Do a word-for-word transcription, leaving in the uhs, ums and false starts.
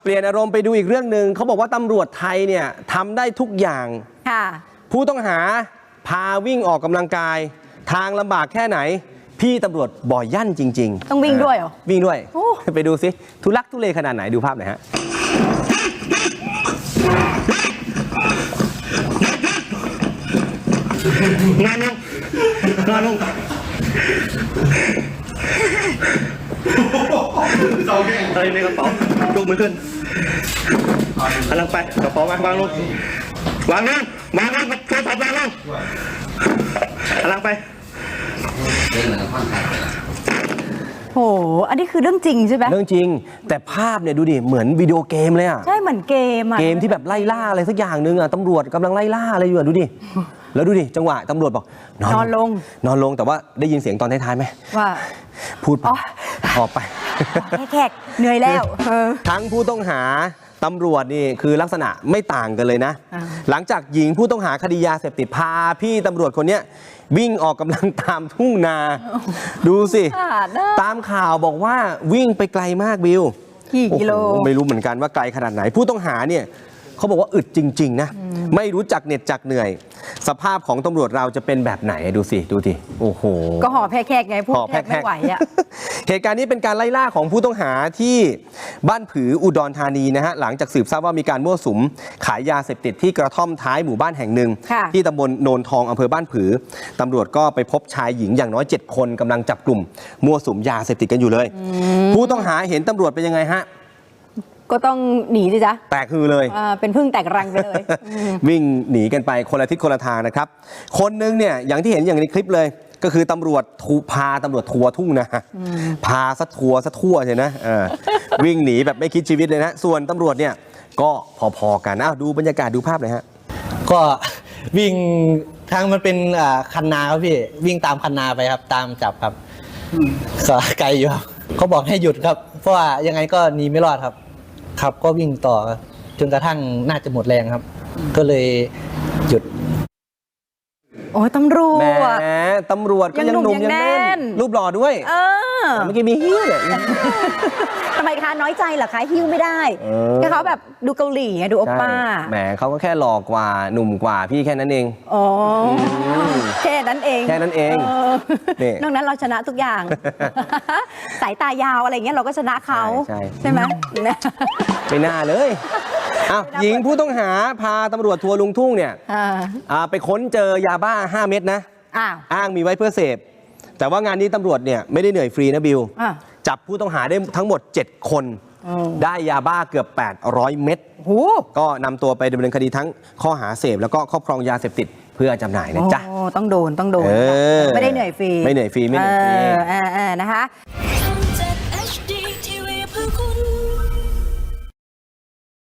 เปลี่ยนอารมณ์ไปดูอีกเรื่องหนึ่งเขาบอกว่าตำรวจไทยเนี่ยทำได้ทุกอย่างค่ะผู้ต้องหาพาวิ่งออกกำลังกายทางลำบากแค่ไหนพี่ตำรวจบ่อยยั่นจริงๆต้องวิ่งด้วยเหรอวิ่งด้วยไปดูสิทุลักทุเลขนาดไหนดูภาพหน่อยฮะงานลงงานลงอะไรในกระเป๋ายกมือขึ้นกำลังไปกระเป๋าวางวางลงวางลงวางลงโทรศัพท์วางลงกำลังไปโหอันนี้คือเรื่องจริงใช่ไหมเรื่องจริงแต่ภาพเนี่ยดูดิเหมือนวิดีโอเกมเลยอ่ะใช่เหมือนเกมอ่ะเกมที่แบบไล่ล่าอะไรสักอย่างนึงอ่ะตำรวจกำลังไล่ล่าอะไรอยู่อ่ะดูดิแล้วดูดิจังหวะตำรวจบอกนอนลงนอนลงแต่ว่าได้ยินเสียงตอนท้ายๆไหมว่าพูดออกไปแขกเหนื่อยแล้วทั้งผู้ต้องหาตำรวจนี่คือลักษณะไม่ต่างกันเลยนะหลังจากหญิงผู้ต้องหาคดียาเสพติดพาพี่ตำรวจคนนี้วิ่งออกกำลังตามทุ่งนาดูสิตามข่าวบอกว่าวิ่งไปไกลมากบิวกี่กิโลไม่รู้เหมือนกันว่าไกลขนาดไหนผู้ต้องหาเนี่ยเขาบอกว่าอึดจริงๆนะไม่รู้จักเหน็ดจักเหนื่อยสภาพของตำรวจเราจะเป็นแบบไหนดูสิดูสิโอ้โหก็ห่อแพร่ไงพูดแทบไม่ไหวอ่ะเหตุการณ์นี้เป็นการไล่ล่าของผู้ต้องหาที่บ้านผืออุดรธานีนะฮะหลังจากสืบทราบว่ามีการมั่วสุมขายยาเสพติดที่กระท่อมท้ายหมู่บ้านแห่งหนึ่งที่ตำบลโนนทองอำเภอบ้านผือตำรวจก็ไปพบชายหญิงอย่างน้อยเจ็ดคนกำลังจับกลุ่มมั่วสุมยาเสพติดกันอยู่เลยผู้ต้องหาเห็นตำรวจเป็นยังไงฮะก็ต้องหนีสิจ๊ะแตกคือเลยเป็นพึ่งแตกรังไปเลยวิ่งหนีกันไปคนละทิศคนละทางนะครับคนนึงเนี่ยอย่างที่เห็นอย่างในคลิปเลยก็คือตำรวจพาตำรวจทัวร์ทุ่งนะพาซะทัวร์ซะทั่วใช่นะวิ่งหนีแบบไม่คิดชีวิตเลยนะส่วนตำรวจเนี่ยก็พอๆกันอ้าวดูบรรยากาศดูภาพเลยฮะก็วิ่งทางมันเป็นคันนาครับพี่วิ่งตามคันนาไปครับตามจับครับก็ไกลอยู่เขาบอกให้หยุดครับเพราะว่ายังไงก็หนีไม่รอดครับครับก็วิ่งต่อจนกระทั่งน่าจะหมดแรงครับก็เลยหยุดโอ้ตำรวจแหมตำรวจก็ยังหนุ่มยังแน่นรูปหล่อด้วยเออเมื่อกี้มีฮิ้วเลยทำไมคะน้อยใจเหรอคะฮิ้วไม่ได้แค่เขาแบบดูเกาหลีดูโอป้าแหมเขาก็แค่หล่อกว่าหนุ่มกว่าพี่แค่นั้นเองอ๋อแค่นั้นเองแค่นั้นเองนอกนั้นเราชนะทุกอย่างสายตายาวอะไรเงี้ยเราก็ชนะเขาใช่ไหมไม่น่าเลยอ้าวหญิงผู้ต้องหาพาตำรวจทัวร์ลุงทุ่งเนี่ยไปค้นเจอยาบ้าห้าเม็ดนะอ้างมีไว้เพื่อเสพแต่ว่างานนี้ตำรวจเนี่ยไม่ได้เหนื่อยฟรีนะบิวจับผู้ต้องหาได้ทั้งหมดเจ็ดคนได้ยาบ้าเกือบแปดร้อยเม็ดก็นำตัวไปดำเนินคดีทั้งข้อหาเสพแล้วก็ครอบครองยาเสพติดเพื่อจำหน่ายนะจ๊ะต้องโดนต้องโดนไม่ได้เหนื่อยฟรีไม่เหนื่อยฟรีไม่เหนื่อยฟรีนะคะ